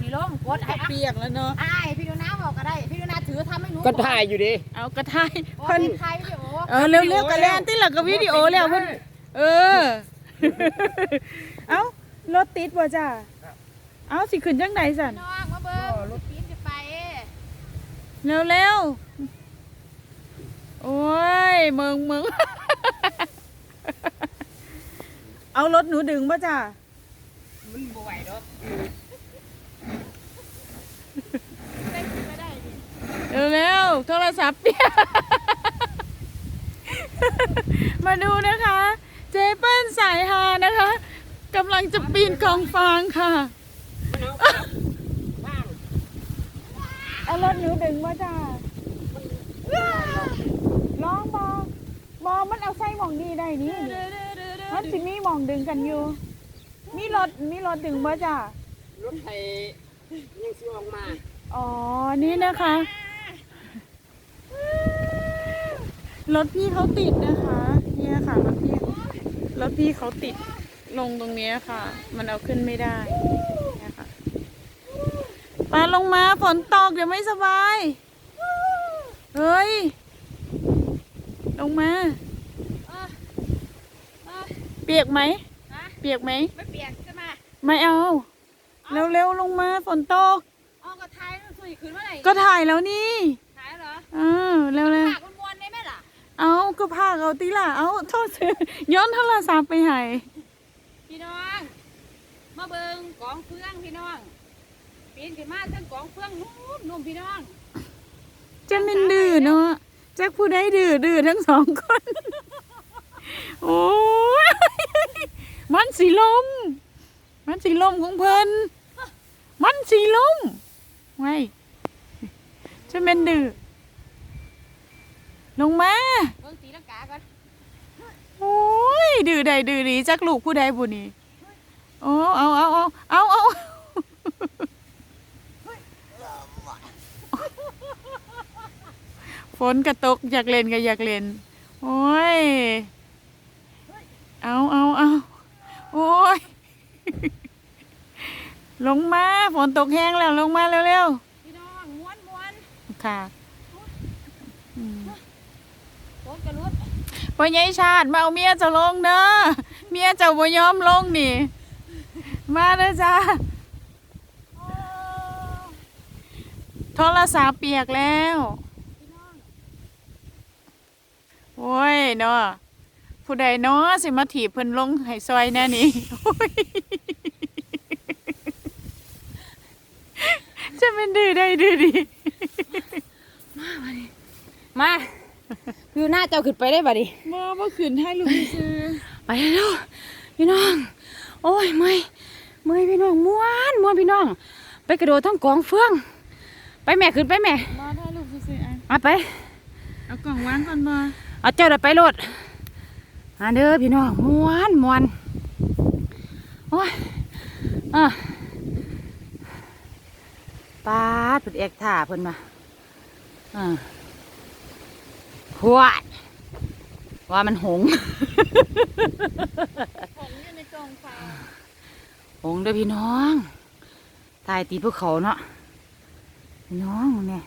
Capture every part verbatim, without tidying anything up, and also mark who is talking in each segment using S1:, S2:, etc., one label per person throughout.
S1: ล้มกดให้
S2: เปียกแล้วเนาะ
S1: ไอ้พี่ดูน้าบอกก็ได้พี่ดูน้าถือทำให้หนู
S3: ก็ถ่ายอยู่ดิ
S2: เอากระทาย
S1: เพิ่นถ่ายวิดีโอ
S2: เออเร็วๆกันแล้วที่หลังก็วิดีโอแล้วเพิ่นเออเอ้ารถติดบ่จ้าเอ้าสิขึ้นจังไดสั่น
S1: น้องมาเบิ่งรถปีนจะไป
S2: เร็วๆโอ้ยมึงมึงเอารถหนูดึงบ่จ้า
S1: มันบ่ไหวดอก
S2: เร็วๆโทรศัพท์เปียกมาดูนะคะเจเปิ้ลสายฮานะคะกำลังจะปีนกองฟางค่ะเอารถหนูดึงบ่จ้าร้องบอบอมันเอาไส้หมองนี่ได้นี่มันสิมีหมองดึงกันอยู่มีรถมีรถดึงบ่จ้าร
S3: ถไถยังซิออกมา
S2: อ๋อนี่นะคะรถพี่เขาติดนะคะเนี่ยค่ะรถพี่รถพี่เขาติดลงตรงนี้ค่ะมันเอาขึ้นไม่ได้เนี่ยค่ะปาลงมาฝนตกเดี๋ยวไม่สบายเฮ้ยลงมาเปียกไหมเปียกไหม
S1: ไม่เปียกใช่ไหม
S2: ไม่เอาเร็วๆลงมาฝนตก
S1: อ๋อก็ถ่ายสวยขึ้นเมื่อไหร่
S2: ก็ถ่ายแล้วนี่
S1: ถ่ายเหรอ
S2: เออเร็วๆ
S1: ฝากวนๆได้ไหมล่ะ
S2: เอาก็พาเอาตีล่ะเอาโทษย้อนโทรศัพท์ไปให้
S1: พี่น้องมาเบิ่งกองเฟืองพี่น้องปีนขึ้นมาทั้งกองเฟืองนุ่มนุ่มพี่น้อง
S2: จะเป็นดื้อเนาะแจ็คผู้ใดดื้อดื้อทั้งสองคนโอ้ยมันสีลมมันสีลมของเพิ่นมันสีลมไงจะเป็นดื้อลงมา
S1: เบิ่งตีลังกาก่อน
S2: โอ้ยดื้อใดดื้อดีจักลูกผู้ใดบุนี่โอ้เอาเอาเอาเอาเอาฝนกระตกอยากเล่นก็อยากเล่นโอ้ยเอาเอาเอาโอ้ยลงมาฝนตกแห้งแล้วลงมาเร็ว
S1: ๆพี่น้องม้วนม้วน
S2: ค่ะ
S1: ฝนกระลุด
S2: พ่อใหญ่ชาติมาเอาเมียจะลงเด้อเมียจะบ่ยอมลงนี่มาเด้อจ้าโทรศัพท์เปียกแล้วโอ้ยเนาะผู้ใดเนาะสิมาถีบเพิ่นลงให้ซอยแน่นี่จะเป็นดื้อได้ดื้อดี
S1: มามาดิมาคือหน้าเจ้าขึ้นไปได้บ่ดิ
S2: มาเมื่อคืนให้ลูกซื้อ
S1: ไปแล้วพี่น้องโอ้ยเมื่อยเมื่อยพี่น้องม้วนม้วนพี่น้องไปกระโดดทั้งกองเฟืองไปแม่ขึ้นไปแม่
S2: มาให้ลูกซื้อ
S1: มาไป
S2: เอากล่องวางก่อนมา
S1: เอาเจ้าเดินไปโลดมาเด้อพี่น้องม้วนม้วนโอ้ยอ่ะปาดเพิ่นเอกท่าเพิ่นมาอ่าหัวว่ามันหง
S2: หงอยู่ในกองฟาง
S1: หงเด้อพี่น้องตายตีพวกเขาเนาะพี่น้องเนี่ย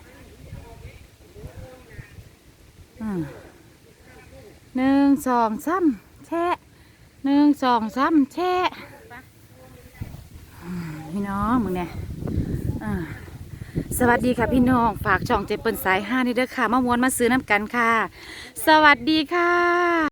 S1: อืมหนึ่งสองซ้ำแช่หนึ่งสองซ้ำแช่พี่น้องมึงเนี่ยสวัสดีค่ะพี่น้องฝากช่องเจเปิ้ลสายห้านี่เด้อค่ะมามวนมาซื้อน้ำกันค่ะสวัสดีค่ะ